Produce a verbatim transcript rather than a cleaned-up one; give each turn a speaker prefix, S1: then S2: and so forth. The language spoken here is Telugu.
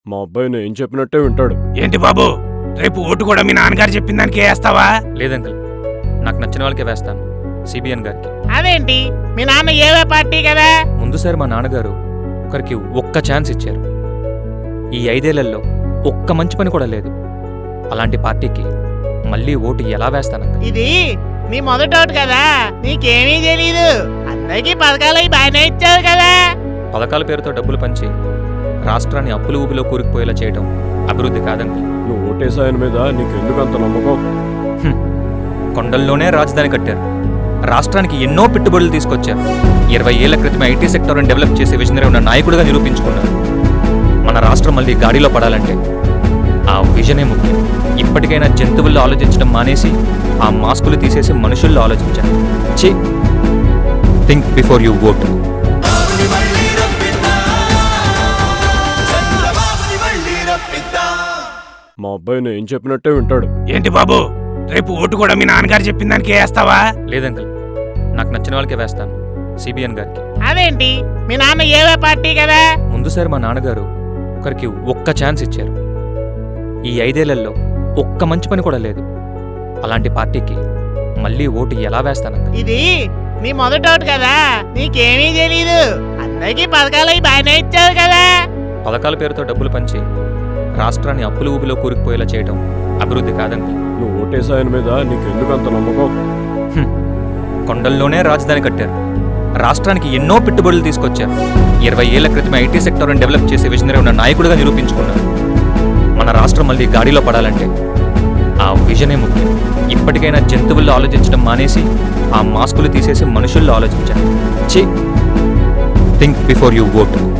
S1: మా అబ్బాయి నేను చెప్పినట్టే వింటాడు.
S2: ఏంటి బాబు, రేపు ఓటు కూడా మీ నాన్నగారు చెప్పిన దానికి వేస్తావా?
S3: లేదంకల్, నాకు నచ్చిన వాళ్ళకే వేస్తాను, సిబిఎన్ గారికి.
S4: అదేంటి, మీ నాన్న ఏవే పార్టీ కదా?
S3: ముందుసారి మా నాన్నగారు ఒకరికి ఒక్క ఛాన్స్ ఇచ్చారు. ఈ ఐదేళ్లలో ఒక్క మంచి పని కూడా లేదు. అలాంటి పార్టీకి మళ్ళీ ఓటు ఎలా వేస్తానంక?
S4: ఇది నీ మొదటి ఓటు కదా, నీకేమీ తెలీదు. అందరికీ పథకాలు అవి బాగానే ఇచ్చావు కదా.
S3: పథకాల పేరుతో డబ్బులు పంచి రాష్ట్రాన్ని అప్పుల ఊబిలో కూరుకుపోయేలా చేయడం అభివృద్ధి కాదంకల్.
S1: నువ్వు ఓటేసాయన మీద నీకెందుకంత నమ్మకం?
S3: కొండల్లోనే రాజధాని కట్టారు, రాష్ట్రానికి ఎన్నో పెట్టుబడులు తీసుకొచ్చారు. ఇరవై ఏళ్ల క్రితం ఐటీ సెక్టర్ని డెవలప్ చేసే విజనరీ ఉన్న నాయకుడిగా నిరూపించుకున్నారు. మన రాష్ట్రం మళ్ళీ గాడిలో పడాలంటే ఆ విజనే ముఖ్యం. ఇప్పటికైనా జంతువుల్లో ఆలోచించడం మానేసి ఆ మాస్కులు తీసేసి మనుషుల్లో ఆలోచించాలి. చి థింక్ బిఫోర్ యూ ఓట్.
S1: మా అబ్బాయి నేను చెప్పినట్టే వింటాడు.
S2: ఏంటి బాబు, రేపు ఓటు కూడా మీ నాన్నగారు చెప్పిన దానికి వేస్తావా?
S3: లేదంకల్, నాకు నచ్చిన వాళ్ళకే వేస్తాను, సిబిఎన్ గారికి.
S4: అదేంటి, మీ నాన్న ఏవే పార్టీ కదా?
S3: ముందుసారి మా నాన్నగారు ఒకరికి ఒక్క ఛాన్స్ ఇచ్చారు. ఈ ఐదేళ్లలో ఒక్క మంచి పని కూడా లేదు. అలాంటి పార్టీకి మళ్ళీ ఓటు ఎలా వేస్తానంక?
S4: ఇది నీ మొదటి ఓటు కదా, నీకేమీ తెలీదు. అందరికీ పథకాలు అవి బాగానే ఇచ్చావు కదా.
S3: పథకాల పేరుతో డబ్బులు పంచి రాష్ట్రాన్ని అప్పుల ఊబిలో కూరుకుపోయేలా చేయడం అభివృద్ధి కాదంకల్.
S1: నువ్వు ఓటేసాయన మీద నీకెందుకంత నమ్మకం?
S3: కొండల్లోనే రాజధాని కట్టారు, రాష్ట్రానికి ఎన్నో పెట్టుబడులు తీసుకొచ్చారు. ఇరవై ఏళ్ల క్రితం ఐటీ సెక్టర్ని డెవలప్ చేసే విజనరీ ఉన్న నాయకుడిగా నిరూపించుకున్నారు. మన రాష్ట్రం మళ్ళీ గాడిలో పడాలంటే ఆ విజనే ముఖ్యం. ఇప్పటికైనా జంతువుల్లో ఆలోచించడం మానేసి ఆ మాస్కులు తీసేసి మనుషుల్లో ఆలోచించాలి. చి థింక్ బిఫోర్ యూ ఓట్.